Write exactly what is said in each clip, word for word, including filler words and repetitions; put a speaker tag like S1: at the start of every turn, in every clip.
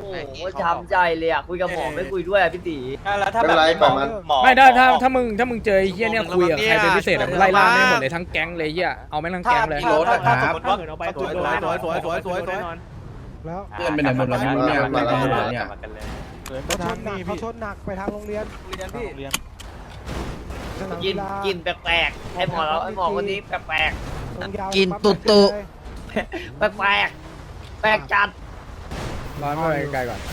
S1: โหช้ำใจเลยอ่ะคุยกับหมอไม่คุยด้วยอ่ะพี่ตี
S2: แล้วถ้าแบบหมอ
S3: ไม่ได้ถ้าถ้ามึงถ้ามึงเจอไอ้เหี้ยเนี่ยคุยกับใครเป็นพิเศษไล่ล่าไม่หมดเลยทั้งแก๊งเลยเหี้ยเอาไม่ทั้งแก๊งเลย
S2: ถ้าสมมติว่า
S4: เอาไปสวยสวยสวยสวยสวยสวยแล้ว
S5: เพื่อนไปไหนหมดแล้วเนี่ยไม่ได้หมดเนี่ย
S4: เขาชนหนักเขาชนหนักไปทางโรงเรียน
S2: เรียนพี่
S1: กินกินแปลกๆให้หมอแล้วให้หมอคนนี้แปลก
S4: กินตุตุ
S1: ๆแปลกๆแปลกจัด
S3: ร้อยไม่ไปไกลก่อน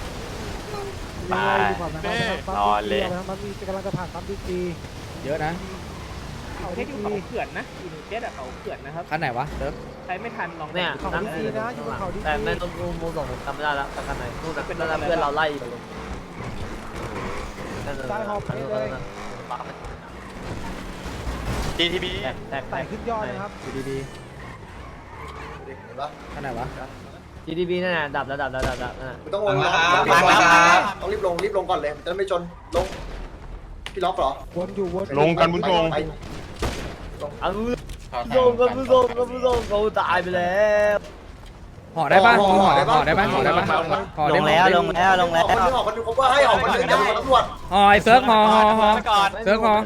S4: นอนเลยมันมีกำลังจะผ่านปั๊มดีจี
S3: เยอะนะ
S4: เขาที่เขาเขื่อนนะอยู่เจ็ดอะเขาเขื่อนนะครับ
S3: คันไหนวะเด็ก
S4: ใครไม่ทันลอง
S1: เนี่ย
S4: เขาดีนะอยู่บนเขาดี
S1: แต่ไม่ต้องมูมูส่งผมจำไม่ได้แล้วแต่กันไหนพูดแบบเป็นเพื่อนเราไล่อยู่
S4: ใต้หอบไปเลย
S2: ดีทีบี
S1: แตก
S4: ไต่ขึ้นยอดนะครับ
S3: ดีดีคันไหนวะ
S1: จีดีบีนั่นน่ะดับแล้วดับแล้วดับแล้วนั่น
S6: ต้องลงต้องรีบลงรีบลงก่อนเลยจะไม่ชนลงพี่ล็อกเหรอ
S4: วนอยู่วน
S7: ลงกันบุญทง
S1: เอาลงกันผู้ชมกันผู้ชมเขาตายไปแล้ว
S3: ห่อได้ปะห่อห่อได้ปะห่อได้ปะห่อได้
S2: ลงแล้วลงแล้วลงแล้ว
S6: คนนึงออกคนนึงผมว่าให้ออกคนนึงเดี๋ยวตำรวจ
S3: ห่อไอ้เซิร์ฟห่อห่อห่อ
S2: ก่อน
S3: เซิร์ฟห่อ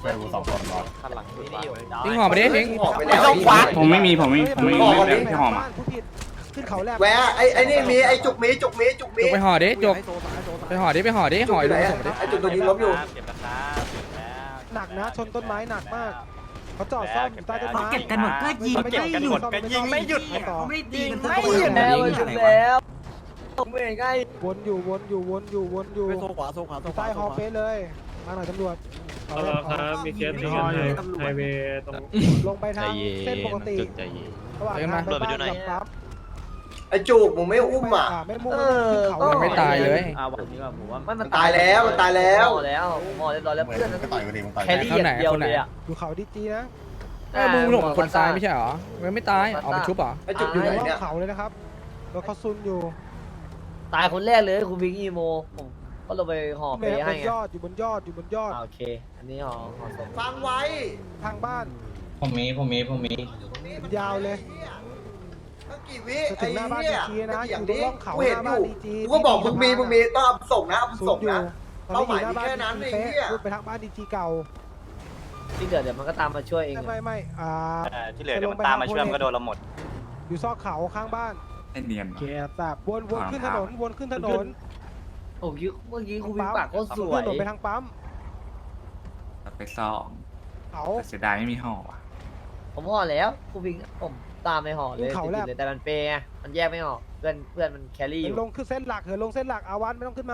S3: ทิ้งห่อไปดิทิ้ง
S6: ออกไปแล้ว
S5: ผมไม่มีผมไม่ผมไม่ไม่พี่หอมอ่ะ
S4: ผู้ผิดขึ้นเขาแลบ
S6: แหวะไอ้ไอ้นี่มีไอ้จุกมีจุกมีจุกมี
S3: จกไปห่อดิจกไปห่อดิไปห่อดิห่อไอ้ลูกส่งดิ
S6: ไอ้จุกตัวนี้ล้มอยู่
S2: เก็บราคาเก็บแล้ว
S4: หนักนะชนต้นไม้หนักมากเขาจอดซ่อมอยู่ใต้ต้นไม้
S2: เก็บกันหมดก็ยิงไม่หยุดก็ยิงไม่หยุด
S4: ต่อ
S1: ไม่ดีกันไม่หยุดแล้วจบแล้วไม่ไง
S4: วนอยู่วนอยู่วนอยู่วนอยู่
S2: โซขวาโซขวาโซขวา
S4: ใต้ฮอเฟสเลยมาหน่อยตำรวจ
S7: เออครับมีเคสที่กันไฮเวย์ตรง
S4: ลงไปทางเส้นปกติระหว่างทางไปบ้านกับปั๊ม
S6: ไอ้จุกมึงไม่อุ้มอ่ะ
S4: ไม่มุ่งขึ้นเขา
S3: มันไม่ตายเลย
S1: อ่าวันนี้ว่าผมว่ามัน
S6: มันตายแล้วมันตายแล้ว
S1: หมอแล้วหมอเรียบร้อยแล้วเพื่อนนั้น
S7: ต่อยกันดีมันต่อย
S1: แครี่อย่างเดียวเลยอ่ะ
S4: อยู่เขาดีจีนะ
S3: เออมึงหลงคนตายไม่ใช่เหรอมันไม่ตายเอาไปชุบเหรอ
S6: ไอ้จุกอยู่ไหน
S4: ล่อ
S6: เนี่ย
S4: งเขาเลยนะครับรถเขาซุนอยู่
S1: ตายคนแรกเลยคุณพิงอีโมผมก็ลงไปห่อเป
S4: บ
S1: ให้
S4: น
S1: ไง
S4: ยอดอยู่บนยอดอยู่บนยอด
S1: โอเคอันนี้ห่อห่อศพ
S6: ฟังไว้
S4: ทางบ้าน
S5: ผมมีผมมีผมมี
S4: ยาวเลย
S6: ตั้งกี่วิ
S4: จะถึ
S6: ไอ้
S4: งหน้าบ้าน
S6: เนี่
S4: ดี
S6: ย
S4: จีนะอ
S6: อย่าง
S4: ยู่บน
S6: นี้
S4: ร่องเขา
S6: กู
S4: ห
S6: เห็น
S4: น้า
S6: อ
S4: บ้าน
S6: ยู่
S4: ดีจี
S6: กูก็บอกมึงมีมึงมีต้องเอาส่งนะเอา
S4: ซุ
S6: ส่
S4: น
S6: ง
S4: อยู่
S6: นะ
S4: ตอนนี้อยู่หน้าบ้าน
S6: เป้าหมายมีแค่นั้น
S4: ดี
S6: ไอ้
S4: จี
S6: เหี้ย
S4: เป๊ะไปทางบ้านดีจีเก่า
S1: ที่เกิดเดี๋ยวมันก็ตามมาช่วยเอง
S4: ไม่ไม่ไม่อ่า
S2: ที่เหลือเดี๋ยวมันตามมาช่วยมันก็โดนเราหมด
S4: อยู่ซอกเขาข้างบ้าน
S5: ไอเนียน
S4: แกแบบวนวนขึ้นถนนวนขึ้นถนน
S1: โอ้ยเมื่อกี้คุณพิงปากโคตรสว
S4: ขึ้น
S1: ย
S4: ถนนไปทางปั๊ม
S5: ไปซ่อม
S4: เขา
S5: เสียดายไม่มีห่อว่ะ
S1: ผมห่อแล้วคุณพิงผมตามไปห่อเลยเลยแต่มันเปย์ไงมันแยกไม่ออกเพื่อนเพื่อนมันแครี่อ
S4: เหิน
S1: ยู่
S4: ลงขึ้นเส้นหลักเหินลงเส้นหลักอาวันไม่ต้องขึ้นมา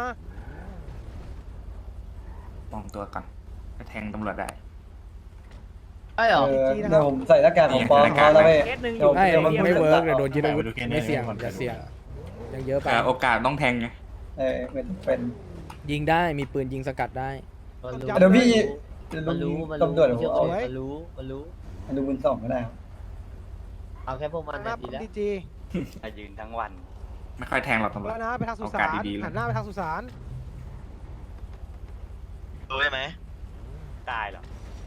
S5: มองตัวก่อนไปแทงตำรวจได้
S1: ไอ้เหรอ
S4: ดีนะค
S8: เดี๋
S4: รั
S8: ยว
S4: บ
S8: ผมใส่หน้ากากของปลอมเขาแล้วเว้ย
S3: ไอ้มันไม่เวิร์กเดี๋ยวโดนยึดอาวุธไม่เสี่ยงอย่าเสี่ยงยังเยอะไป
S5: แต่โอกาสต้องแทงไง
S8: เออเป็นเป็น
S3: ยิงได้มีปืนยิงสกัดได้
S8: เดี๋ยวพี่
S1: มันรู้มันรู้
S8: ตำรวจผมเอา
S1: มันรู้มันรู้
S8: ดูบุญส่งก็ได้ครับ
S1: เอาแค่พวกมัน
S4: หน้า
S1: นะดี
S4: ปั๊ม
S1: แล้ว
S4: ดีจี
S2: ยืนทั้งวัน
S5: ไม่ค่อยแทงหรอกตำรวจ
S4: แล้วนะไปทางสุสา
S5: โอกาส
S4: น
S5: ดีๆเลย
S4: หันหน้าไปทางสุสาน
S2: รู้ได้ไหมตายหรอ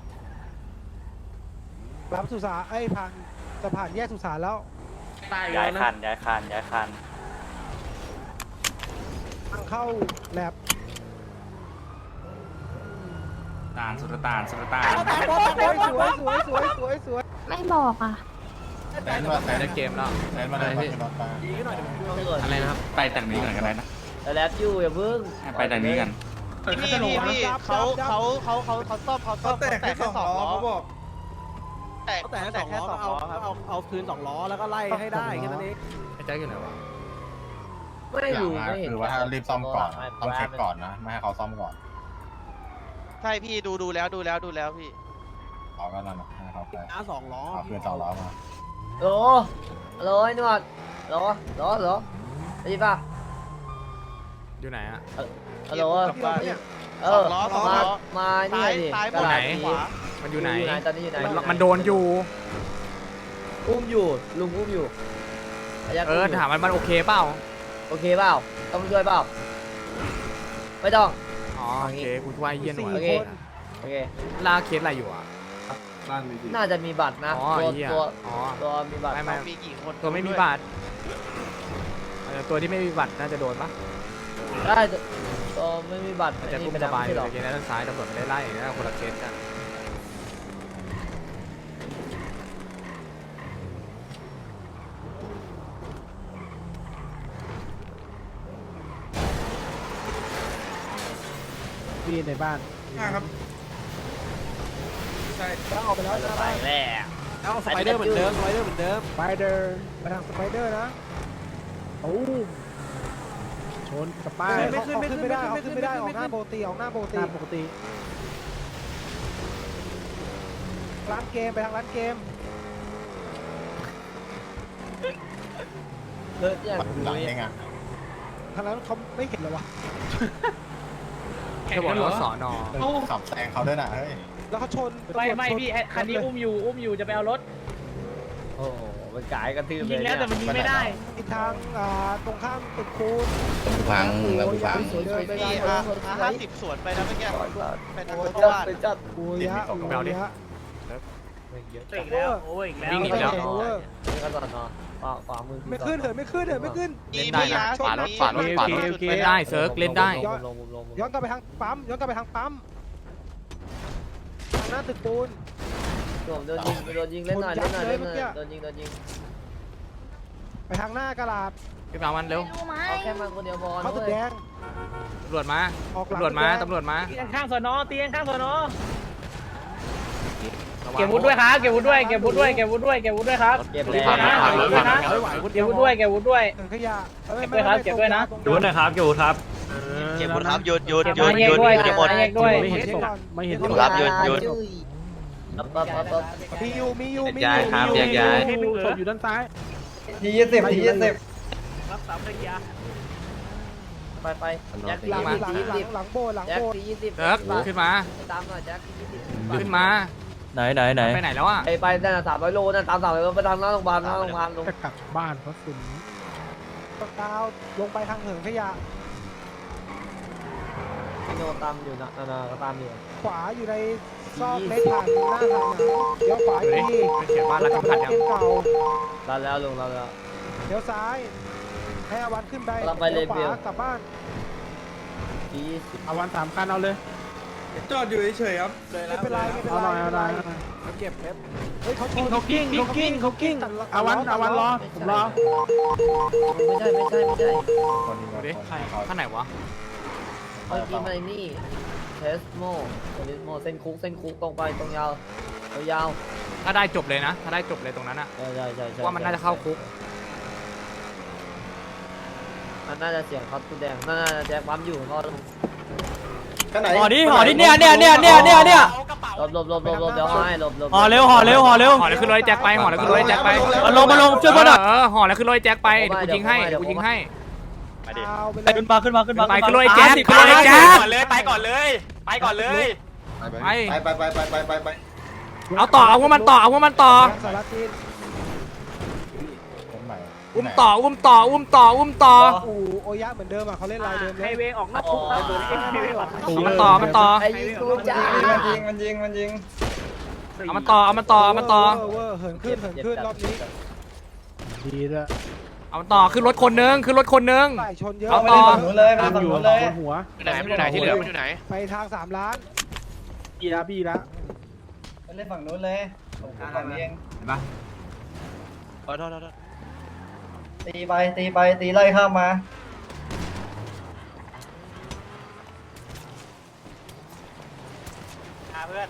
S4: รับสุสานไอ้ผ่านจะผ่านแยกสุสานแล้ว
S2: ย้ายคันย้ายคันย้ายคัน
S4: ทางเข้าแลบ
S5: ตาลสุรตาลสุรตาล
S4: สวยสวยสวยสวยสวยสวย
S9: ไม่บอกอ่ะ
S7: แสนมาแสน
S3: ในเกมแล้ว
S7: แสนมาเลยพี่
S3: อะไรนะครับ
S5: ไปจากนี้ก่อนก็ได้นะ
S1: แต่แล้วอยู่อย่าพึ่ง
S5: ไปจากนี้กัน
S4: พี่พี่พี่เขาเขาเขาเขาเขาซ่อมเขาซ่อมแต่แค่สองล้อเขาบอกแต่แต่แค่สองล้อเอาเอาเอาคืนสองล้อแล้วก็ไล่ให้ได้แค่นั้นเอง
S3: ไอ้แจ็คอยู่ไหนวะ
S1: ไม่รู้ไม่เห็น
S7: คือว่าถ้ารีบซ่อมก่อนต้องเช็คก่อนนะไม่ให้เขาซ่อมก่อน
S2: ใช่พี่ดูดูแล้วดูแล้วดูแล้วพี่
S7: เขาก็นั่นนะให้เขาไป
S4: น้าสองล้อ
S7: เอาคืนสองล้อมา
S1: โหลโหลไอ้หนวดโหลโหลโหลได้ยินป่ะ
S3: อยู่ไหนอะ
S1: ฮัลโหลเออมามานี่ดิกระดาษนี้
S3: มันอยู่ไหน
S1: ตอนนี้อยู่ไหน
S3: มันโดนอยู่
S1: อุ้มอยู่ลุงอุ้มอยู่
S3: เออถามมันมันโอเคเปล่า
S1: โอเคเปล่าต้องช่วยเปล่าไม่ต้อง
S3: อ๋อโอเคกูว่าเยี่ยนหน่
S1: โอ
S3: อย
S1: เคโอเค
S3: ลากเคสอะไรอยู่อ่ะ
S1: น่าจะมีบัตรนะ
S3: อ๋อ
S1: ตัว
S3: เหี้ย
S1: ตัว
S3: อ๋อ
S1: ตัวมีบัตร
S3: ไม่ไม่
S2: มีกี่คน
S3: ตัวไม่มีบาทเอออตัวที่ไม่มีบัตรน่าจะโดนปะ
S1: ได้ก็ไม่มีบัตร
S3: มันจะ
S1: นี่
S3: กุ้ม
S1: เป็น
S3: สบาย
S1: ไม่
S3: เล
S1: หรอก
S3: ยทีนั้นด้านซ้ายตำรวจไม่ได้ไล่นะคนละเคสกัน
S4: พี่ในบ้าน
S7: ครับ
S4: แล้วออกไปแล้วนะ
S1: ไป
S4: บ้าน
S1: แล้ว
S4: เอาสไปเดอร์เหมือนเดิมสไปเดอร์เหมือนเดิมสไปเดอร์ไปทางสไปเดอร์นะโอ้ชนกับป้ายไม่ขึ้นไม่ขึ้นไม่ได้เขาขึ้นไม่ได้ออกหน้าปกติออกหน้าปกติปกติร้านเกมไปทางร้านเกม
S1: เลิกอย่าง
S6: หลังเองอ่ะ
S4: ทางนั้นเขาไม่เห็นเลยวะ
S3: จะบอกว่าสอนอ
S6: ขับแซงเขาด้วยนะเฮ้ย
S4: แล้วเขาชน
S7: ไม่ไม่พี่คันนี้อุ้มอยู่อุ้มอยู่จะไปเอารถ
S1: โอ้โหมันกายกระทืบเลย
S7: ยิงแล้วแต่มันยิงไม่ได้
S4: อีกทางอ่าตรงข้ามตึกคูน
S8: ฟังแล้วฟัง
S4: สวย
S1: ช่วย
S4: ๆ
S1: ไม่
S4: ไม่
S1: ได้
S4: ได้
S2: พี่ห้าสิบสวนไปนะเมื่อกี้ไปทาง
S1: โอ้
S2: ร
S1: ย
S2: ถ
S1: จัด
S2: บ้าน
S1: ไปจัด
S4: โอ้ยะโอ้ยะ
S7: อีกแล้วโอ้ยอีกแล้ว
S3: วิ่งหนีแล้ว
S4: โอเวอร์
S1: นี่ก็ตอนนอนขวาขวามือ
S4: ไม่ขึ้นเถิดไม่ขึ้นเถิดไม่ขึ้น
S3: เล่นได้นะ
S2: ฝารถฝารถฝารถ
S3: เล่นได้เซิร์ฟเล่นได้
S1: ลงลงลงลง
S4: ย้อนกลับไปทางปั๊มย้อนกลับไปทางปั๊มทางหน้าตึกปูน
S1: ผมโดนยิงโดนยิงเล่นหน่อยเล่นหน่อยเล่นหน่อยโดนยิงโดนยิง
S4: ไปทางหน้ากระดาษ
S3: ขึ้นมามันเร็ว
S1: เอาแค่มันคนเดียวพอ
S4: เขาตึกแดง
S3: ตำรวจมา
S4: ออกหลัง
S3: ตำรวจมา
S4: ตึกแดง
S3: ตำรวจมา
S7: เตียงข้างสอนอเตียงข้างสอนอเก็บวุฒิด้วยครับเก็บวุฒิด้วยเก็บวุฒิด้วยเก็บวุฒิด้วยเก็บวุฒิด้วยครับ
S1: เก็บ
S7: เก็
S1: แล้
S7: บนะ
S1: ว
S7: เก็บวุฒิด้วยนะ
S4: ไม่ไหวคนเดี
S7: เก็
S4: ย
S7: บ
S4: ว
S7: วุฒิด้วยเก็บวุฒิด้วย
S4: ถังขยะอ้
S7: เก็บด้วยครับเก็บด้วยนะ
S4: ตรง
S7: เก็บวุฒินะครับเก็บวุฒิครับ
S2: เก็บหมดครับหยุดหยุด
S7: เก็บ
S2: หยุด
S7: มาแย
S2: ห
S7: ก
S2: ยุด
S7: ด้วย
S2: หยุด
S7: เก็บ
S2: หมด
S7: มาแยกด้วย
S4: ไม่เห็นก่อนไม่เห็น
S2: ครับหยุดหยุด
S1: ปั๊บปั๊บปั๊บปั๊บ
S4: มีอยู่มีอยู่มีอ
S2: ย้าย
S4: ยู่
S2: ครับแยกย้าย
S4: ศพอยู่ด้านซ้าย
S8: ทียี่สิบทียี่สิบ
S7: รักษาภรรยา
S1: ไปไปแจ็ค
S4: หลัง
S1: ที
S4: หลัง
S1: ยี่
S4: หลั
S1: สิ
S4: ง
S1: บ
S4: หลังโบสถ์หลัง
S1: แจ็ค
S4: โบสถ์
S1: ทียี่สิบ
S3: เซิร์ฟขึ้นมา
S1: ตามหน่อยแจ็คทียี่สิบ
S3: ขึ้นมา
S9: ไหนไหนไหน
S3: ไปไหนแล้วอ่ะ
S1: ไปไปนั่นสามร้อยโลนั่นตามสามร้อยโลไปทางหน้าโรงพยาบาลหน้าโรงพยาบาลลง
S4: จะกลับบ้านเพราะฝุ่นดาวลงไปทางเหินขยะ
S1: โนตามอยู่นะนาก็ตามอยู่
S4: ขวาอยู่ในซอกเล็กผ่านหน้าทางหนังเลี้ยวขวาอีกที
S3: ไม่เขียนว่ารัก
S4: กลับ
S3: ขั
S4: มา
S3: ดยัง
S4: เกมเก่า
S1: ลาแล้วลงลาแล้ว
S4: เลี้ยวซ้ายให้อาวันขึ้นไป
S1: กำลังไปเล
S4: เลี้
S1: เบล
S4: ยวขวากลับบ้าน
S1: ทียี่สิบ
S4: อาวันสามคันเอาเลย
S7: จอดอยู่เฉยๆครับ
S4: ไม่เป็นไรไม่เป็นไรไม่เป็นไรเก็บเพชรเฮ้ยเขาชน
S7: เขากิ้งเขากิ้งเขากิ้ง
S4: อาวันอาวันรอผมรอ
S1: ไม่ใช่ไม่ใช่ไม่ใช่
S3: ดูดิข้างไหนวะ
S1: เมื่อกี้มันนี่เทสโมเทสโมเส้นคุกเส้นคุกตรงไปตรงยาวยาว
S3: ถ้าได้จบเลยนะ ถ้าได้จบเลยตรงนั้นอ่ะ
S1: ใช่ใช่ใช่ใช่
S3: ว่ามันน่าจะเข้าคุก
S1: มันน่าจะเสียงเขาตู้แดงน่าจะแจ็คปั๊มอยู่ก็ลง
S6: ข้างไหน
S9: ห่อดิห่อดิเนี่ยเนี่ยเนี่ยเนี่ยเนี่ยเนี่ย
S1: หลบหลบหลบหลบหลบเดี๋ยวให้หลบหลบ
S9: ห่อเร็วห่อเร็วห่อเร็ว
S3: ห่อแล้วขึ้นรถไอ้แจ็คไปห่อแล้วขึ้นรถไอ้แจ็คไป
S9: มาลงมาลงช่วยเพื่อนหน่อย
S3: เออห่อแล้วขึ้นรถไอ้แจ็คไปเดี๋ยวกูยิงให้เดี๋ยวกูยิงให้
S4: เอาไปเลย
S9: ขึ้นมาขึ้นมาขึ้นมา
S3: ไปขึ้นรถไอ้แจ็คขึ้นรถไอ้แจ็ค
S9: ก่อนเลยไปก่อนเลยไปก่อนเลย
S3: ไป
S6: ไปไปไปไปไปไป
S3: เอาต่อเอาพวกมันต่อเอาพวกมันต่อ
S4: สารทิน
S3: อุ้มต่ออุ้มต่ออุ้มต่ออุ้มต่อ
S4: อูโอยะเหมือนเดิมอ่ะเขาเล่นลายเดิมเล
S7: ไฮ
S4: ย
S7: เวย์ออกนอกคุกครับไฮเวย์ออกนอกคุก
S3: มันต่อมันต่อ
S1: ไอ้ยิงกูจ้า
S8: มันยิงมันยิงมันยิง
S3: เอามันต่อเอามันต่อเอามันต่อ
S4: เวอร์เหินขึ้นเหินขึ้นรอบนี้ดีละ
S3: เอามันต่อขึ้นรถคนนึงขึ้นรถคนนึง
S4: ฝ่ายชนเยอะ
S3: เอา
S8: ไป
S3: ต่อ
S8: ฝั่งนู้นเลยไปฝั่งนู้นเลย
S4: หัว
S2: ไหนมันอยู่ไหนที่เหลือมันอยู่ไหน
S4: ไปทางสามล้านบีละบีละ
S8: ไปเล่นฝั่งนู้นเลยผมฝั่งนี้เอง
S2: ขอโทษขอโทษ
S8: ตีไปตีไปตีไล่ข้ามมา
S7: เพื่อน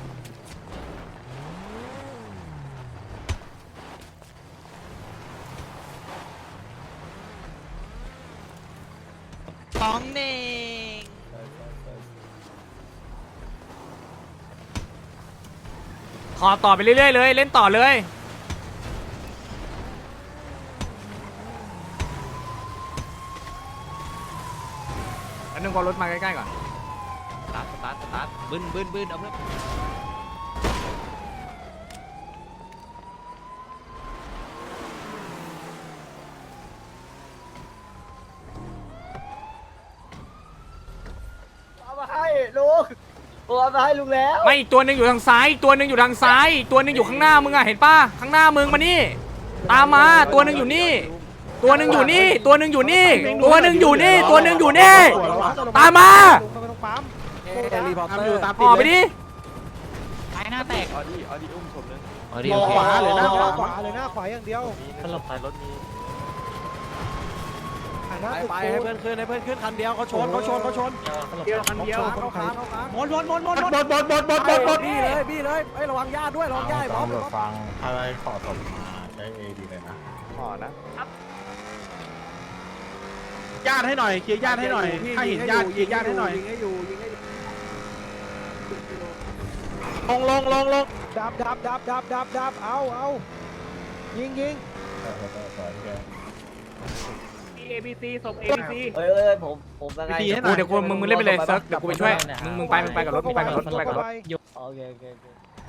S2: ของเน่ง
S3: ขอต่อไปเรื่อยๆเลยเล่นต่อเลยอันนึงพอรถมาใกล้ๆก่อน
S2: สตาร์ทสตาร์ทสตาร์ทบึ้นบึ้นบึ้นเอาเพื่อน
S1: เอามาให้ลุงผมเอามาให้ลุงแล้ว
S3: ไม่อีกตัวหนึ่งอยู่ทางซ้ายอีกตัวหนึ่งอยู่ทางซ้ายอีกตัวหนึ่งอยู่ข้างหน้ามึงอะเห็นป่ะข้างหน้ามึงมานี่ตามมาตัวหนึ่งอยู่นี่ตัวหนึ่งอยู่นี่ตัวหนึ่งอยู่นี่ตัวหนึ่งอยู่นี่ตัวหนึ่งอยู่นี่ตามมา
S4: ลงไปตรงปั๊ม
S3: รีพอร์เตอร์ออกไปดิ
S2: ไอ้หน้าแตก
S6: มองขวาเลยนะ
S4: หน้าขวาเลยหน้าขวาอย่างเดียว
S2: สลบไปรถมี
S4: หันหน้าตึก
S9: ไปให้เพื่อนขึ้นให้เพื่อนขึ้นคันเดียวเขาชนเขาชนเขาชน
S4: เดียวคันเดียวเขาขาเขาขา
S9: หมดหมดหมดหมดหมดหมดหมดหมดหมดหมดหมดบี้เลยบี้เลยไอ้ระวังญาติด้วยระวังญาติพร้อม
S7: ฟังอะไรขอสมมาใช้เอดีเลยนะ
S9: ขอนะญาติให้หน่อยเคลียร์ญาติให้หน่อยถ้าเห็นญาติเคลียร์ญาติให้หน่อย
S4: ยิงให้อยู่ยิงให้อยู่
S9: ลงลงลงลง
S4: ดับดับดับดับดับดับเอาเอายิงยิง
S7: เอบีซีศพเอบีซี
S1: เอ้ยเอ้ยผมผมยังไง
S3: กูเดี๋ยวกูมึงมึงเล่นไปเลยเซิร์ฟเดี๋ยวกูไปช่วยมึงมึงไปมึงไปกับรถมึงไปกับรถมึงไปกับรถ
S1: โอเคโอเคโอเค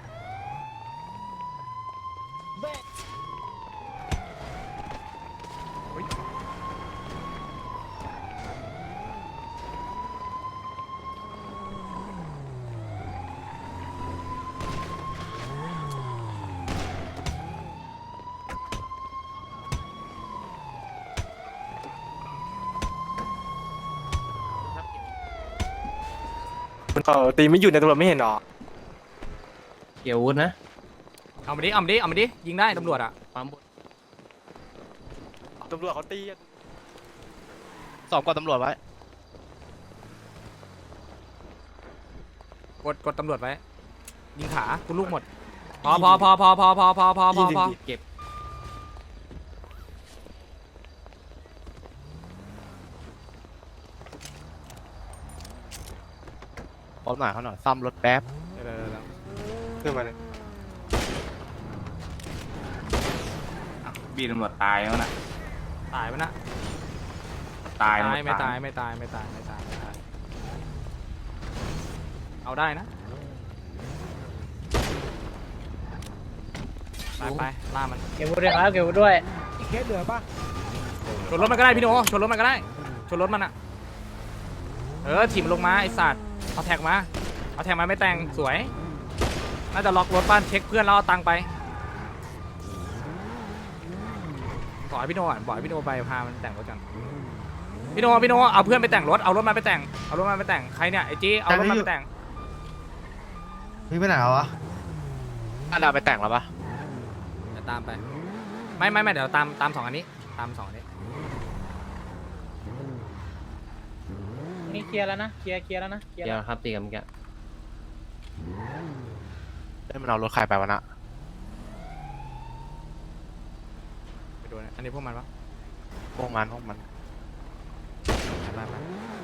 S9: ตีไม่อยู่ในตำรวจไม่เห็นหรอ
S2: เกี่ยววุ้นนะ
S3: เอามาดิเอามาดิเอามาดิยิงได้ตำรวจอ่ะ
S2: ปั๊มบุตำรวจเขาตีสอบกับตำรวจไว้
S3: กดกดตำรวจไว้ยิงขากูลูกหมดพอพอพอพอพอพอพอพอพอพอ
S2: เก็บพร้อมหน่อยเขาหน่อยซ่อมรถแป๊บ
S3: เดี๋ยวเดี๋ยวเดี๋ยว
S2: ขึ้นมาเลย
S5: บีตำรวจตายแล้วนะ
S3: ตายปะนะ
S5: ตาย
S3: ตาย
S5: หด
S3: ไม่ตายไม่ตายไม่ตายไม่ตายไม่ตายเอาได้นะไปไปล่ามัน
S9: เก็บวุ้ด้วยครับเก็บวุ้ด้วย
S4: อีกเคสเหลือปะ
S3: ชนรถมันก็ได้พี่โนชนรถมันก็ได้ชนรถมันอ่ะเออถีบมันลงมาไอ้สัตว์เอาแท็กมาเอาแท็กมาไม่แต่งสวยน่าจะล็อกรถบ้านเช็คเพื่อนแล้วเอาตังค์ไปบอกให้พี่โนก่อนบอกให้พี่โนไปพามันแต่งรถกันพี่โนพี่โนเอาเพื่อนไปแต่งรถเอารถมาไปแต่งเอารถมาไปแต่งใครเนี่ยไอ้จี้เอารถมาไปแต่ง
S8: พี่ไปไหนวะ
S2: อันดาไปแต่งแล้วปะ
S3: เดี๋ยวตามไปไม่ไม่ไม่เดี๋ยวตามตามสองอันนี้ตามสองอันนี้
S9: นี่เคลียร์แล้วนะเคลียร์เคลียร์แล้วนะเคลียร์
S2: เดี๋ยวครับตีกันเมื่อกี้ได้มันเอารถใครไปวะนะ
S3: ไปดูนะอันนี้พวกมันปะ
S2: พวกมันพวกมัน
S3: ไปไป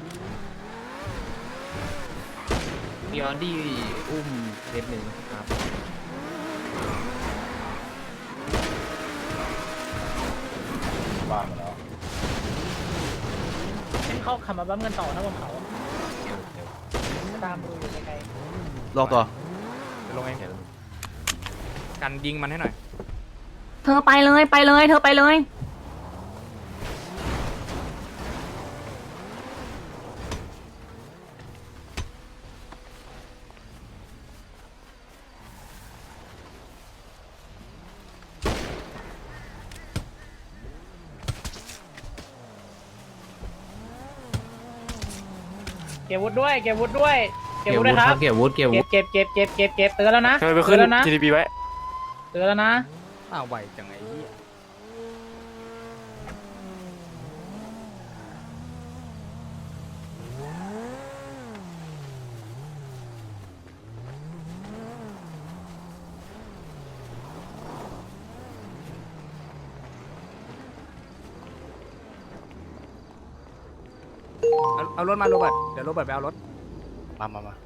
S2: มีออดี้อุ้มเล็บหนึ่งครับ
S7: บ้านมาแล้ว
S9: เข้าขับมาบั้มกันต่อนะบนเขาตามดูอยู่ไกล
S2: ลงตัว
S3: เดี๋ยวลงเองกันยิงมันให้หน่อย
S10: เธอไปเลยไปเลยเธอไปเลย
S9: เก็บวุ้ด้วยเก็บวุ้ด้วยเก็บวุ้ด้วยครับ
S2: เก็บวุ้เก็บวุ้
S9: เก็บเก็บเก็บเก็บเก็บเตือนแล้วนะ
S2: เคยไปขึ้น
S9: เตือนแล้วนะ
S2: จี ดี พี ไว้
S9: เตือนแล้วนะ
S3: อ้าวไหวจังไอ้เหี้ยเอาเอารถมาโรเบิร์ตเดี๋ยวโรเบิร์ตไปเอารถ
S2: มามามา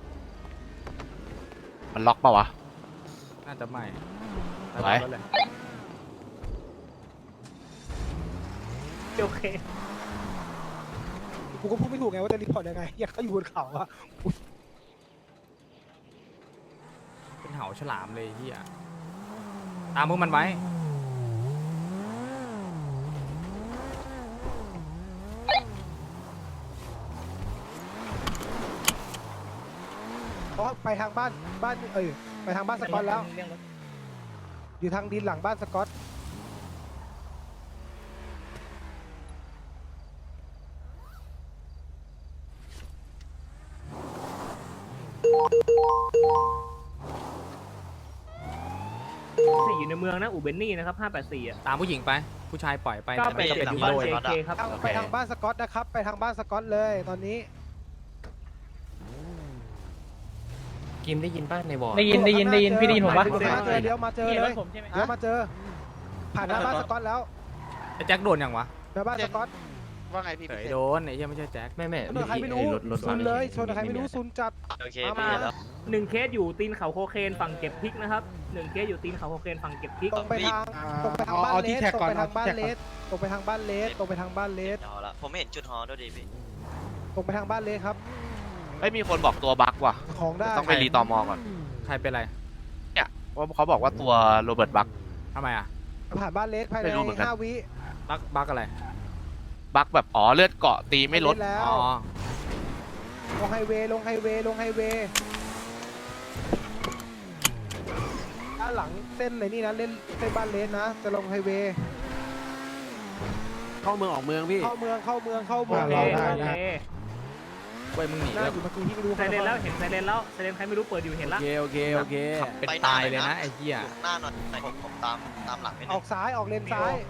S2: มันล็อกเปล่าวะ
S3: น่าจะไม่
S2: ไหว
S3: เอารถเลย
S9: โอเค
S4: กูก็พูดไม่ถูกไงว่าจะรีพอร์ตยังไงอยากเขาอยู่บนเขาอะ
S3: เป็นเหาฉลามเลยไอ้เหี้ยตามพวกมันไว้
S4: เพราะไปทางบ้านบ้านเออไปทางบ้านสกอตแล้ว
S9: เรื่องรถ
S4: อยู่ทางดินหลังบ้านสกอต
S9: สี่อยู่ในเมืองนะอูเบนนี่นะครับห้าแปดสี่อ่ะ
S3: ตามผู้หญิงไป ผู้ชายปล่อยไป
S9: เก้า
S3: แต่
S9: แป
S3: ไม่
S9: ด
S3: ก็เป็น
S9: หลัง
S3: ฮี
S9: บ้าน
S3: โร่
S9: เจเคครับ
S4: ไปทางบ้านสกอตนะครับ ไปทางบ้านสกอตเลยตอนนี้
S7: กิมได้ยินป้าในวอร์
S9: ได้ยินได้ยินได้ยินพี่ได้ยินผมปะ
S4: มาเจอเดี๋ยวมาเจอ
S9: พี่เห็น
S4: เล
S9: ร
S4: ย
S9: ถผมใช่ไหม
S4: เดี๋ยวมาเจอ ผ่านหน้าบ้านสกอตแล้ว
S3: ไอ้แจ็คโดนยังวะ
S4: หน้าบ้านสกอต
S2: ว่าไงพี่
S3: เฉ
S2: พิ
S3: ย
S2: เศษ
S3: โดนไอ้เหี้ยไม่ใช่แจ็ค
S7: แม่แม่
S4: ชนใครไม่รู้ซุนเลยชนใครไม่รู้ซุนจัด
S2: โอเค
S4: มา
S2: พี่แล้ว
S9: หนึ่งเคสอยู่ตีนเขาโคเคนฝั่งเก็บพริกนะครับหนึ่งเคสอยู่ตีนเขาโคเคนฝั่งเก็บพริก
S4: ตรงไปทางตรงไปทางบ้านเลสตรงไปทางบ้านเลสตรงไปทางบ้านเลสตรงไปทางบ้านเลส
S2: เอาละผมไม่เห็นจุดฮอด้วยดิพี่
S4: ตรงไปทางบ้านเลสครับ
S2: ไม่มีคนบอกตัวบั๊กว่ะ
S4: ของได้
S2: ต้องไปรีตอมอก่อน
S3: ใครเป็นไร
S2: เนี่ยว่าเขาบอกว่าตัวโรเบิร์ตบั๊ก
S3: ทำไมอ่ะ
S4: ผ่านบ้านเลสภายใน
S2: ไม่รู้เหมือนกัน
S4: ห้าวิ
S3: บักบักอะไร
S2: บั๊กแบบอ๋อเลือดเกาะตีไม่ลด
S4: เนแล้ว
S3: อ๋อ
S4: ลงไฮเวย์ลงไฮเวย์ลงไฮเวย์ด้านหลังเส้นเลยนี่นะเล่นเส้นบ้านเลสนะจะลงไฮเวย์
S7: เข้าเมืองออกเมืองพี่
S4: เข้าเมืองเข้าเมืองเข้าเมือง
S9: โอเค
S4: ได้
S9: โอ
S4: ได้
S9: เค
S3: เว้ยมึงหนี
S4: น่า
S3: แล้ว
S4: อยู่เมื่อกี้ที่ไม่รู้
S9: ไซเรนแล้วเห็นไซเรนแล้วไซเรนใครไม่รู้เปิดอยู่เห็น
S7: โอ
S9: ละ
S7: เคโอเคโอเค
S3: เป็นตายเลยนะไอ้เหี้ย
S2: หน้าหน่อยผมผมตามตามหลังไม่
S4: อ
S2: ได้
S4: อกซ้ายออกเลนซ้าย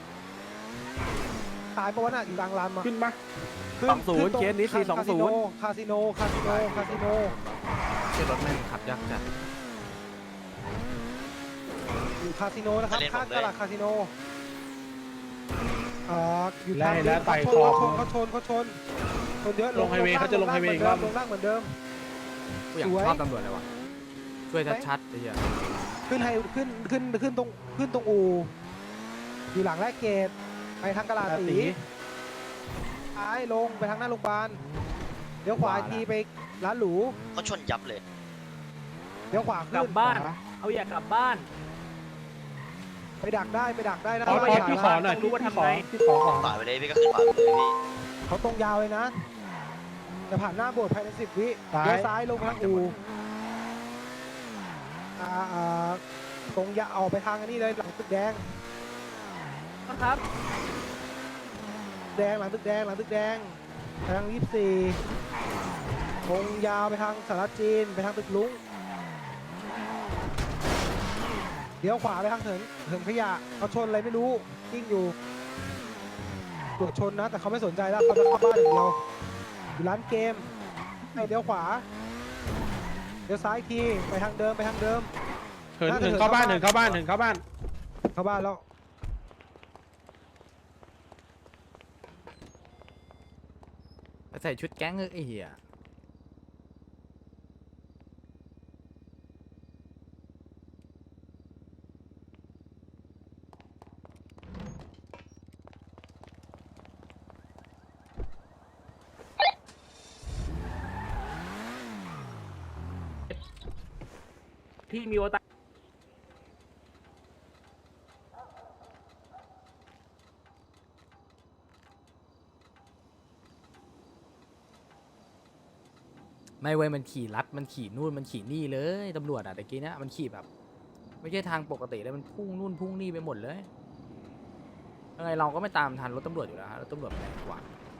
S4: ซ้ายปะวะน่ะอยู่กลางลานมา
S7: ขึ้นปะ
S4: ขึ้
S7: สองศูนย์
S4: ขึ้ตร
S7: เคสนี้สี่สองศูนย์
S4: คาสิโนคาสิโนคาสิโน
S3: เชื่อรถแม่งขับยากจัด
S4: อยู่คาสิโนนะครับข้างตลาดคาสิโนอ่าอยู่ทาง
S7: ไล่แล้วไต่
S4: เขา
S7: คอ
S4: ชนเขาชนเขาชนเขาชนเยอะ
S7: ลงไฮเวย์เขาจะลงไฮเวย์อีกรอบ
S4: ลงล่างเหมือนเดิม
S3: กูอยาก
S4: สวย
S3: ชอบตำรวจเลยวะช่วยชัดๆไอ้เหี้ย
S4: ขึ้นไฮขึ้นขึ้นขึ้นตรงขึ้นตรงอู่อยู่หลังแรกเกตไปทางกะลาตีซ้ายลงไปทางหน้าโรงพยาบาลเดี๋ยวขวาอีกทีไปร้านหรู
S2: เขาชนยับเลย
S4: เดี๋ยวขวาก ขึ้
S9: ลั
S4: น
S9: บบ้าน เอาอยากกลับบ้าน
S4: ไปดักได้ไปดักได้นะ
S7: ขอ
S4: ไป
S7: ขอ
S4: ดัก
S7: พี่
S4: ได้
S7: ขอหน่อย
S9: ต้องรู้ว่าทำไง
S7: พี่ขอขอ
S2: ฝ่าไปเลยพี่ก็ขึ้นฝ่าไปเลยพี่
S4: เขาตรงยาวเลยนะจะผ่านหน้าโบสถ์ภายในสิบวิเลี้ยวซ้ายลงไปทางอู่อ่าอ่าตรงยาออกไปทางอันนี้เลยหลังตึกแดง
S9: นะครับ
S4: แดงหลังตึกแดงหลังตึกแดงไปทางยี่สิบสี่ตรงยาวไปทางสารจีนไปทางตึกลุงเดี๋ยวขวาไปทางเถินเถินขยะเขาชนอะไรไม่รู้กิ้งอยู่ตรวจชนนะแต่เขาไม่สนใจแล้วเขาจะเข้าบ้านอย่างเดียวอยู่ร้านเกมให้เดี๋ยวขวาเดี๋ยวซ้ายอีกทีไปทางเดิมไปทางเดิม
S7: เหินเหินเข้าบ้านเหินเข้าบ้านเหินเข้าบ้าน
S4: เข้าบ้านแล้ว
S3: ใส่ชุดแก๊งเออไอ้เหี้ย
S9: ที่มีโอตา
S3: ไม่เว้ยมันขี่ลัดมันขี่นู่นมันขี่นี่เลยตำรวจอะแต่กี้เนี้ยมันขี่แบบ ไม่ใช่ทางปกติเลยมันพุ่งนู่นพุ่งนี่ไปหมดเลยยังไงเราก็ไม่ตามทันรถตำรวจอยู่แล้วฮะรถตำรวจมันแรงกว่า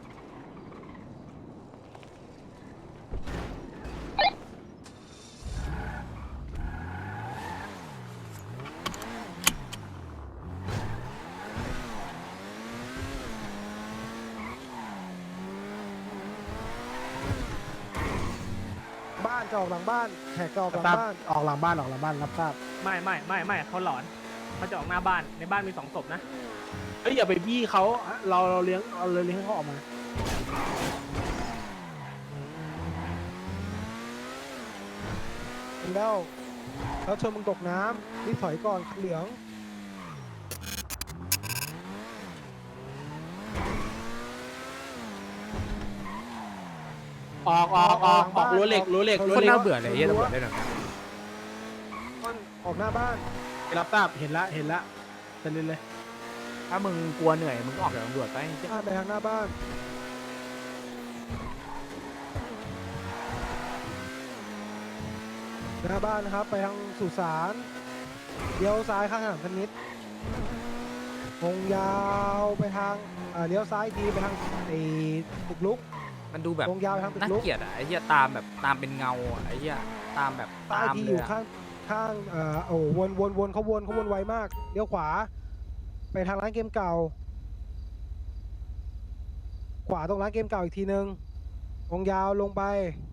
S4: บ้านจะออกหลังบ้านแขกจะออกหลังบ้าน
S7: ออกหลังบ้านออกหลังบ้านรับทราบ
S9: ไม่ไม่ไม่ไม่เขาหลอนเขาจะออกหน้าบ้านในบ้านมีสองศพนะ
S7: เอ้ยอย่าไปบี้เขาเราเราเลี้ยงเราเลี้ยงเขาออกมา
S4: แล้วแล้วชนมึงตกน้ำรีบถอยก่อนเหลือง
S7: ออกออกออกออกรั้วเหล็กรั้วเหล็กรั้ว
S3: คน
S7: เหล็ก
S3: น่าเบื่อเลยไอ้เหี้ยตำรวจได้หนัง
S4: ออกหน้าบ้าน
S7: รับทราบเห็นละเห็นละจะเล่นเลย
S3: ถ้ามึงกลัวเหนื่อยมึงก็ออกจากตำรวจไป
S4: บ้านไปทางหน้าบ้านหน้าบ้านนะครับไปทางสุสานเลี้ยวซ้ายข้างถนนพนิชวงยาวไปทางอ่าเลี้ยวซ้ายอีกทีไปทางไอ้ตึกลุก
S3: มันดูแบบ
S4: วงยาวไปทางตึก
S3: น่า
S4: ลุก
S3: เกลียดอ่ะไอ้เหี้ยตามแบบตามเป็นเงาอ่ะไอ้เหี้ยตามแบบ
S4: ใต้
S3: ตาม
S4: ที่อ
S3: เลย
S4: ยู่
S3: อะ
S4: ข้างข้างเอ่อโอ้วนวนวนเขาวนเขาวนไวมากเลี้ยวขวา ไปทางร้านเกมเก่า ขวาตรงร้านเกมเก่าอีกทีนึงวงยาวลงไป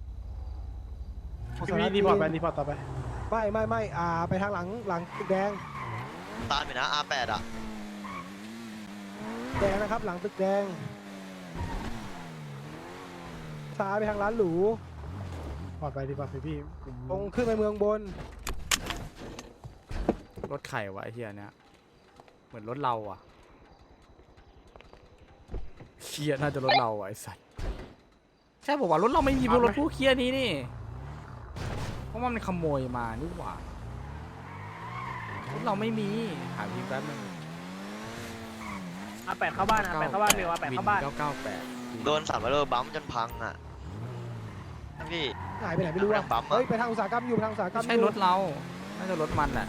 S7: พี่รีพอร์ตไปรีพอร์ตต่อไป
S4: ไม่ไม่ไม่อ่าไปทางหลังหลังตึกแดง
S2: ตามไปนะ อาร์ แปด อ่ะ
S4: แดงนะครับ หลังตึกแดงซ้ายไปทางร้านหรู
S7: พอร์ตไปรีพอร์ตไปพี่ผม
S4: ตรงขึ้นไปเมืองบน
S3: รถไข่วะไอ้เหี้ยเนี่ยเหมือนรถเราอ่ะเคียน่าจะรถเราอ่ะไอ้สัตว์ใช่บอกว่ารถเราไม่มีพวกรถผู้เคียนี้นี่เพราะว่ามันขโมยมานี่หว่ารถเราไม่มีหาพี่แป๊บนึง
S9: อาแปดเข้าบ้านอาแปดเข้าบ้านเร็วอาแปดเข้าบ้าน
S3: เก้าเก้าแปด
S2: โดนสามร้อยโลบัมจนพังอ่ะพี่
S4: หายไปไหนไม่รู้
S2: เอา
S4: อะ
S2: ไปทางปั๊มอะ
S4: เฮ้ยไปทางอุตสาหกรรมอยู่ไปทางอุตสาหกรร
S3: ไม่
S4: ม
S3: ใช่
S4: อยู่
S3: รถเรา น่าจะรถมันแหละ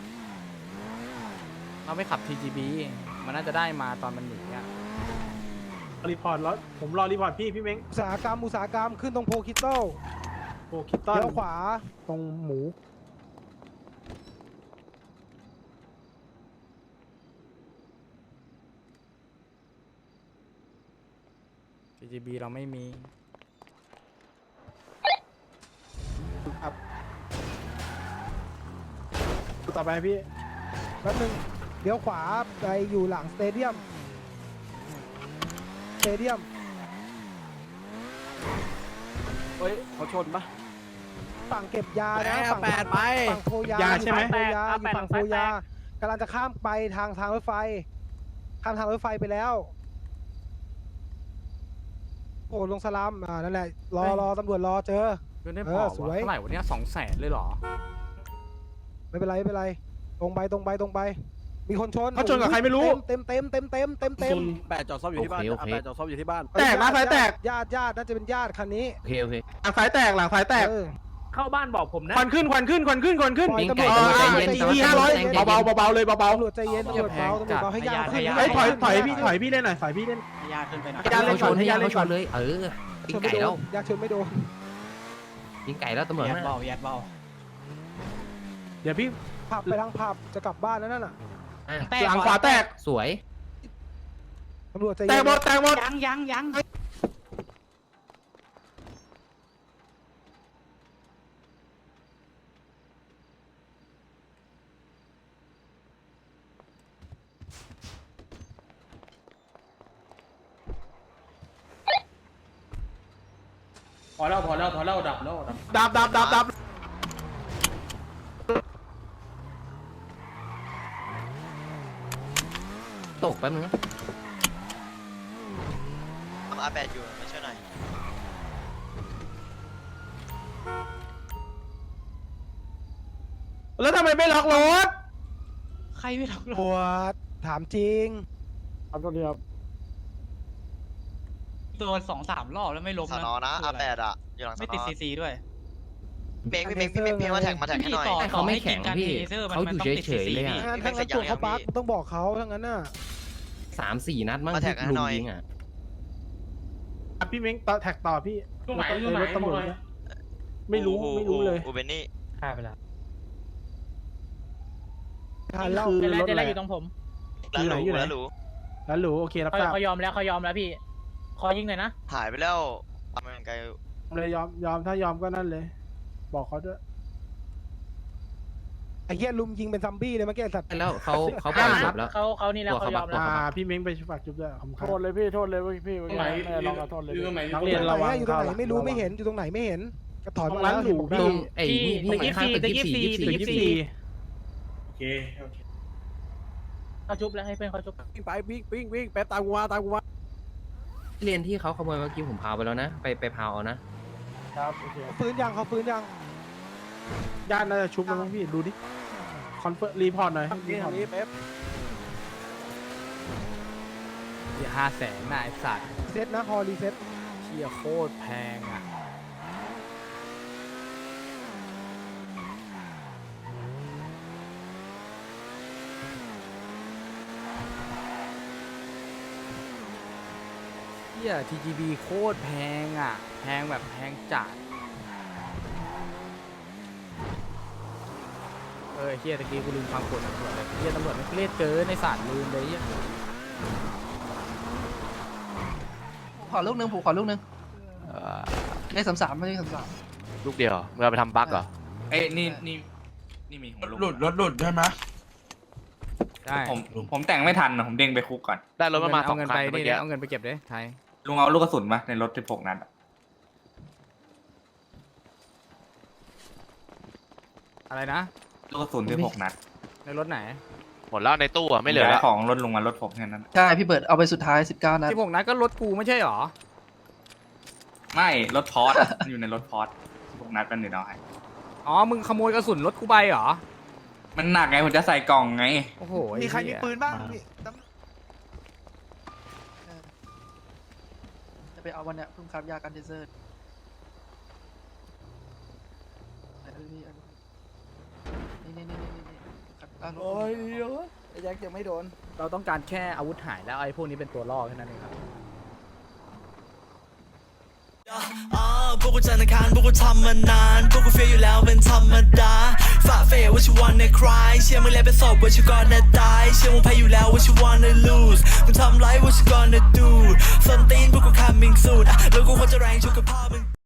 S3: เราไม่ขับ ที จี บี มันน่าจะได้มาตอนมันหนีอ่ะ
S7: รีพอร์ตแล้วผมรอรีพอร์ตพี่พี่เม้ง
S4: อุตสาหกรรมอุตสาหกรรมขึ้นตรงโพคิตโต้
S7: โอ้คิดต้อน
S4: เลี้ยวขวา
S7: ตรงหมู
S3: ที จี บี เราไม่มี
S7: ต่อไปพี่
S4: แป๊บนึงเลี้ยวขวาไปอยู่หลังสเตเดียมสเตเดียม
S8: เฮ้ยเขาชนปะ
S4: ฝั่งเก็บยานะฝั่ง
S8: แปดไป
S4: ฝั่งโพยาย
S7: าใช่ไหม
S4: ฝั่งโพยา
S9: แปด
S4: อยู่ฝั่งโพยากำลังจะข้ามไปทางทางรถไฟ ข้ามทางรถไฟไปแล้ว โอ้ลงสลัมอ่านั่นแหละ รอรอตำรวจรอเจอ
S3: เงินได้
S4: เอ
S3: พ
S4: อ
S3: อ
S4: ส
S3: วะ
S4: วย
S3: เท่าไหร่วันนี้สองแสนเลยเหรอ
S4: ไม่เป็นไรไม่เป็นไร ตรงไปตรงไปตรงไป มีคนชน
S7: เขาชนกับใครไม่รู้
S4: เต็มเต็มเต็มเต็มเต็มเต็ม
S8: แปดจอดซ่อมอยู่ที่บ้านแปดจอดซ่อมอยู่ที่บ้าน
S7: แตกนะสายแตก
S4: ญาติญาติน่าจะเป็นญาติคันนี้
S8: โอเคโอเค
S7: หลังสายแตกหลังสายแตก
S4: เออ
S9: เข้าบ้านบอกผมนะ
S7: ควันขึ้นควันขึ้นควันขึ้นควันขึ้น
S4: ปล่อยตำร
S7: เอ
S4: วจ
S7: อ
S4: ใจ
S7: ไอ้
S4: เย็น
S7: ที่ห้าร้อยเบาๆเบาๆเลยเบา
S4: ตำรวจใจเย็นตำรวจเบาตำรวจเบาให้ญาติขึ้น
S7: ๆเฮ้ยถอยถอยพี่ถอยพี่เล่นหน่อยถอยพี่เล่น
S8: ยาขึ้นไปหน่อย
S7: ให้ญาติเล่นก่อนให้ญาติเล่นก่อน
S8: เออ
S4: ชนไม่โดนญาติชนไม่โดน
S8: ยิงไก่แล้วตำรวจยัดเบายัดเบา
S7: เดี๋ยวพี่
S4: ผับไปทางผับจะกลับบ้านแล้วนั่นน่ะ
S7: หลังขวาแตก
S8: สวย
S4: ตำรวจใจ
S7: แต
S4: เย็
S7: ก
S4: น
S7: หมดแตกหมด
S10: ยังยังยัง
S7: พอแล้วพอแล้วพอแล้วดับแล้วดับดับดับดับ
S8: ตกแป๊บนึงนะ
S2: อาร์ แปด อยู่มาช่วยหน่อย
S7: แล้วทำไมไม่ล็อกรถ
S8: ใครไม่ล็อก
S4: ตำรวจถามจริง
S7: ครับตัวเดียว
S8: โดนสองสามรอบแล้วไม่ล้ม
S2: สอนอนะ อาร์ แปด อ่ะ อยู่หลังส
S8: ไม่
S2: อน
S8: ติด
S2: อ
S8: ซีซีด้วย
S2: เมงพี่เมงพี่เมงพี่มาแท็กมาแท็กให้หน่อย
S8: เขาไม่แข็งพี่เขาอยู่เฉยๆเลย
S4: ถ้า
S8: อ่ะ
S4: งั้นถ้างั้นตรวจเขาบักต้องบอกเขาถ้างั้นน่ะ
S8: สามสี่นัดมั้ง
S2: มาแท็กให้หน่อย
S8: ยิงอ่ะ
S7: พี่เม้งต่อแท็กต่อพี่รถตำรวจเนี่ยไม่รู้ไม่รู้เลย
S2: อูเบนนี่
S9: ฆ่าไปแล้ว
S4: ทานเหล้า
S9: เจแล้วเจแล้วอยู่ตรงผม
S2: แล้วหลูแล้วหลู
S7: แล้วหรูโอเครับ
S9: เขา
S7: ทราบ
S9: เขายอมแล้วเขายอมแล้วพี่ ขอยิงหน่อยนะ
S2: หายไปแล้วทำไมไกล
S7: เลยยอมยอมถ้ายอมก็นั่นเลย บอกเขาด้วย
S4: ไอ้เหี้ยลุมยิงเป็นซัมบี้เลยเมื่อกี้ไอ้สัตว์
S8: แล้วเขาเขาปล่อยจับแล้ว
S9: เขาเขานี่แล้วเขายอมแล้ว
S7: อ่าพี่เม้งไปฝากจุ๊บด้วยขอบคุณครับ
S11: โทษเลยพี่โทษเลยพี่พี่ไหนลองขอโทษเลย
S7: นักเรียนระวัง
S4: อยู่ตรงไหนไม่รู้ไม่เห็นอยู่ตรงไหนไม่เห็นก็ถอน
S7: ตรง
S4: มา
S7: ร้าน
S4: แล้ว
S7: หรู
S4: เห็น
S7: พี่
S8: ตรงไอ้นี่พี่ข้างตึกยี่สี่ยี่
S7: ตึก
S8: สี่
S7: ยี่สี่
S11: โอเคโอเค
S9: เขาชุบแล้วให้เพื่อนเขาชุบ
S11: วิ่งไปวิ่งวิ่งวิ่งแป๊บตามกูมาตามกูมา
S8: เรียนที่เขาขโมยเมื่อกี้ผมพาไปแล้วนะ ไปไปพาวเอานะครับ
S11: โอเค
S4: ฟื้นยังเขาฟื้นยัง
S7: ญาติน่าจะชุบแล้วมั้งพี่ดูดิคอนเฟิร์มรีพอร์ตหน่อยรี
S11: นี่
S7: พอ
S11: ทา
S7: ร์ต
S11: งนี้เป๊ป
S3: เดี๋ยวห้าแสนน่ะไอ้สัตว์
S4: เซตนะฮอรีเซ็ต
S3: เชี่ยโคตรแพงอ่ะฮีย ที จี บี โคตรแพงอ่ะแพงแบบแพงจัดเออเฮียตะกี้กูลืมฟังกฎตำรวจเลยเฮียตำรวจไม่เครียดเกินในศาลลืมเลยเฮีย
S9: ขอลูกนึงผูขอลูกนึงเลขสามสามไม่เลขสามสาม
S2: ลูกเดียวมึงเอาไปทำบั๊กเหรอ
S5: เอ้ยนี่นี่นี่มีหัวลูก
S11: หลุดรถหลุดใช่ไหม
S3: ได้
S5: ผมผมแต่งไม่ทันนะผมเด้งไปคุกก่อน
S2: ได้รถมันมาสอง
S3: เงิน
S2: คัน
S3: ไป
S2: เมื่อ
S3: นี่
S2: กี้
S3: เอาเงินไปเก็บเลยไทย
S5: ลุงเอาลูกกระสุนมาในรถสิบหกนัดอะ
S3: อะไรนะ
S5: ลูกกระสุนสิบหกนัด
S3: ในรถไหน
S2: หมดแล้วในตู้อ่ะไม่เหลือ
S5: ย้า
S2: แล้
S5: ยว ของรถลุงมารถผมแค่นั้น
S9: ใช่พี่เบิร์ดเอาไปสุดท้ายสิบเก้านัด
S3: ที่พวกนั้นก็รถกูไม่ใช่หรอ
S5: ไม่รถพอร์ตอะอยู่ในรถพอร์ตสิบหกนัดเป็นหนึ่งเอาให้
S3: อ๋อมึงขโมยกระสุนรถกูไปเหรอ
S5: มันหนักไงผมจะใส่กล่องไง
S3: โอ้โห
S11: มีใครมีปืนบ้าง
S9: จะไปเอาวันเนี้ยเพิ่งครับยากันเทเซอร์นี่นี่นี่นี่นี่ครับ
S3: โอ้ยเดี๋ยวไอ้แจ็คยังไม่โดน เราต้องการแค่อาวุธหายแล้วไอ้พวกนี้เป็นตัวล่อแค่นั้นเองครับ
S12: พวกกูจันทร์อังคารพวกกูทำมานานพวกกูเฟียอยู่แล้วเป็นธรรมดาฝ่าเฟย what you wanna cry เชื่อมึงแล้วเป็นศพ what you gonna die เชื่อมึงแพ้อยู่แล้ว what you wanna lose มึงทำไร what you gonna do ส้นตีนพวกกู coming soon อ่ะแล้วกูควรจะแรงชุกกับพ่อมึง